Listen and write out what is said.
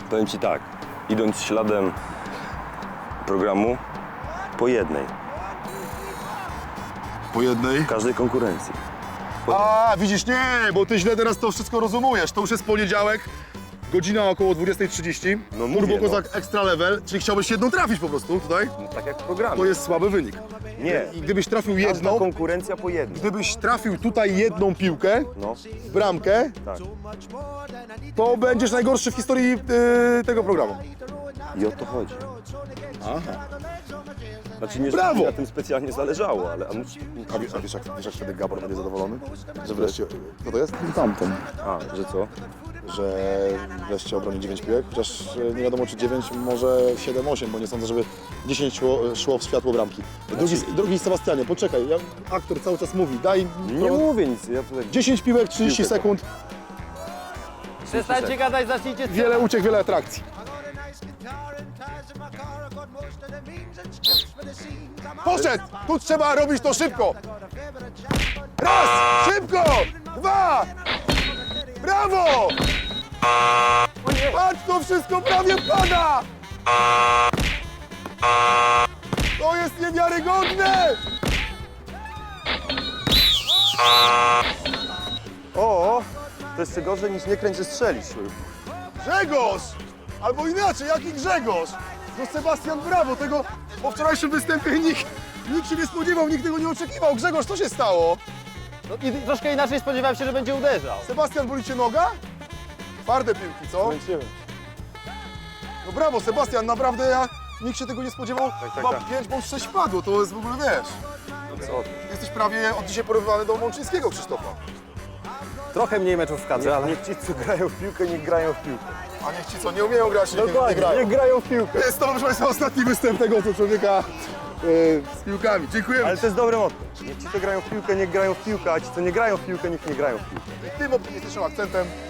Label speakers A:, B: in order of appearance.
A: Powiem Ci tak, idąc śladem programu, po jednej,
B: Po jednej.
A: w każdej konkurencji.
B: A, widzisz, nie, bo ty źle teraz to wszystko rozumujesz. To już jest poniedziałek, godzina około 20:30.
A: No mówię,
B: Turbo Kozak Extra Level, czyli chciałbyś jedną trafić po prostu tutaj?
A: No, tak jak w programie.
B: To jest słaby wynik.
A: Nie,
B: I gdybyś trafił
A: każda
B: jedną,
A: konkurencja po jednej.
B: gdybyś trafił tutaj jedną piłkę
A: No,
B: w bramkę,
A: tak.
B: to będziesz najgorszy w historii tego programu.
A: I o to chodzi.
B: Aha.
A: Znaczy nie, że
B: Brawo!
A: mi na tym specjalnie zależało, ale...
B: A wiesz jak wtedy Gabor będzie zadowolony? Że wreszcie... Kto to jest? Tamten.
A: A, że co?
B: Że wreszcie obroni 9 piłek, chociaż nie wiadomo czy 9, może 7-8, bo nie sądzę, żeby 10 szło w światło bramki. Drugi Sebastianie, poczekaj, aktor cały czas mówi, daj
A: Nie mówię nic, ja tutaj...
B: 10 piłek, 30
A: Piłkę.
B: sekund,
C: Przestańcie gadać, zacznijcie
B: wiele uciek, wiele atrakcji. Poszedł! Tu trzeba robić to szybko! Raz! Szybko! Dwa! Brawo! Patrz, to wszystko prawie pada! To jest niewiarygodne!
A: O, to jeszcze gorzej niż nie kręć, że strzelisz.
B: Grzegorz! Albo inaczej, jaki Grzegorz? No Sebastian, brawo, tego po wczorajszym występie nikt się nie spodziewał, nikt tego nie oczekiwał. Grzegorz, co się stało?
C: No, i troszkę inaczej spodziewałem się, że będzie uderzał.
B: Sebastian, boli cię noga? Twarde piłki, co? No brawo, Sebastian, naprawdę nikt się tego nie spodziewał. Chyba
A: tak.
B: 5 bądź 6 padło, to jest w ogóle, wiesz.
A: No co?
B: Jesteś prawie od dzisiaj porównywany do Mączyńskiego, Krzysztofa.
C: Trochę mniej meczów w kadrze, ale...
A: Niech ci, co grają w piłkę, niech grają w piłkę.
B: A niech ci co, nie umieją grać, niech nie grają.
A: niech grają w piłkę.
B: Jest to, proszę Państwa, ostatni występ tego oto człowieka z piłkami. Dziękujemy.
A: Ale to jest dobre motto. Niech ci, co grają w piłkę, niech grają w piłkę, a ci, co nie grają w piłkę, niech nie grają w piłkę.
B: I tym optymistycznym akcentem